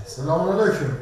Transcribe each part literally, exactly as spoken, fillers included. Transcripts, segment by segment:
Selamünaleyküm.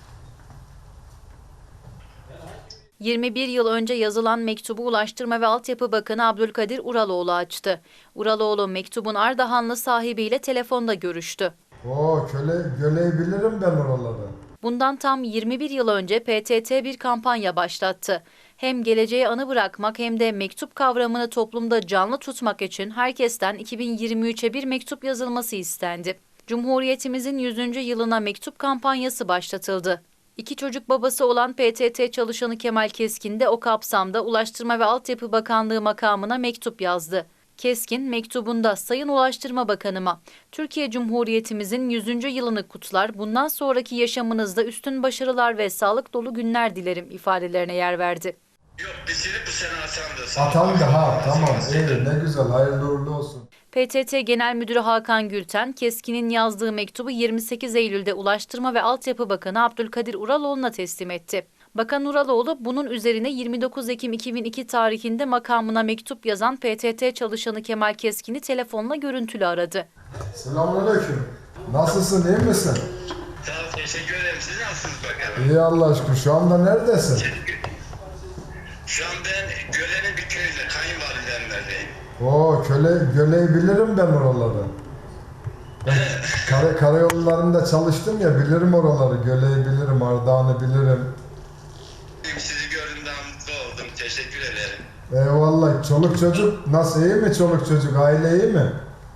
yirmi bir yıl önce yazılan mektubu Ulaştırma ve Altyapı Bakanı Abdülkadir Uraloğlu açtı. Uraloğlu mektubun Ardahanlı sahibiyle telefonda görüştü. Oo, köle, köleyi bilirim ben oraları. Bundan tam yirmi bir yıl önce P T T bir kampanya başlattı. Hem geleceğe anı bırakmak hem de mektup kavramını toplumda canlı tutmak için herkesten iki bin yirmi üçe bir mektup yazılması istendi. Cumhuriyetimizin yüzüncü yılına mektup kampanyası başlatıldı. İki çocuk babası olan P T T çalışanı Kemal Keskin de o kapsamda Ulaştırma ve Altyapı Bakanlığı makamına mektup yazdı. Keskin mektubunda Sayın Ulaştırma Bakanıma, Türkiye Cumhuriyetimizin yüzüncü yılını kutlar, bundan sonraki yaşamınızda üstün başarılar ve sağlık dolu günler dilerim ifadelerine yer verdi. Yok, bitirip bu sene atandı. Atandı ha, tamam, iyi, ne güzel, hayırlı uğurlu olsun. P T T Genel Müdürü Hakan Gülten, Keskin'in yazdığı mektubu yirmi sekiz Eylül'de Ulaştırma ve Altyapı Bakanı Abdülkadir Uraloğlu'na teslim etti. Bakan Uraloğlu bunun üzerine yirmi dokuz Ekim iki bin iki tarihinde makamına mektup yazan P T T çalışanı Kemal Keskin'i telefonla görüntülü aradı. Selamünaleyküm. Nasılsın, iyi misin? Sağ ol, teşekkür ederim. Siz nasılsınız bakalım? İyi Allah aşkına. Şu anda neredesin? Şu an ben Gölen'in bir köyünde, kayınvalidemlerdeyim. Oo, köle, köleyi bilirim ben oraları. Ben kara, karayollarında çalıştım ya, bilirim oraları. Göleyi bilirim, Ardahan'ı bilirim. Sizi gördüğümden mutlu oldum. Teşekkür ederim. Eyvallah. Çoluk çocuk nasıl, iyi mi çoluk çocuk? Aile iyi mi?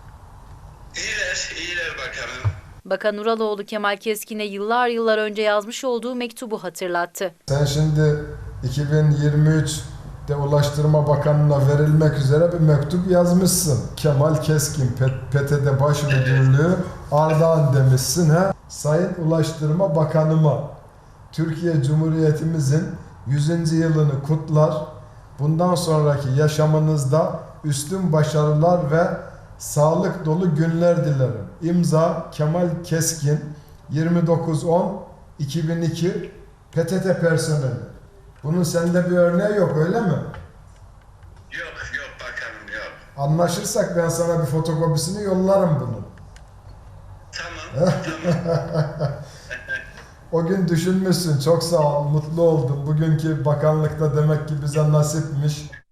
İyiler, iyiler bakalım. Bakan Uraloğlu Kemal Keskin'e yıllar yıllar önce yazmış olduğu mektubu hatırlattı. Sen şimdi iki bin yirmi üçte Ulaştırma Bakanlığı'na verilmek üzere bir mektup yazmışsın. Kemal Keskin, P T T Baş Müdürlüğü, Ardahan demişsin ha. Sayın Ulaştırma Bakanıma, Türkiye Cumhuriyetimizin yüzüncü yılını kutlar. Bundan sonraki yaşamınızda üstün başarılar ve sağlık dolu günler dilerim. İmza Kemal Keskin, yirmi dokuz on iki bin iki P T T personeli. Bunun sende bir örneği yok, öyle mi? Yok, yok bakalım, yok. Anlaşırsak ben sana bir fotokopisini yollarım bunun. Tamam, tamam. O gün düşünmüşsün, çok sağ ol, mutlu oldum. Bugünkü bakanlıkta demek ki bize nasipmiş.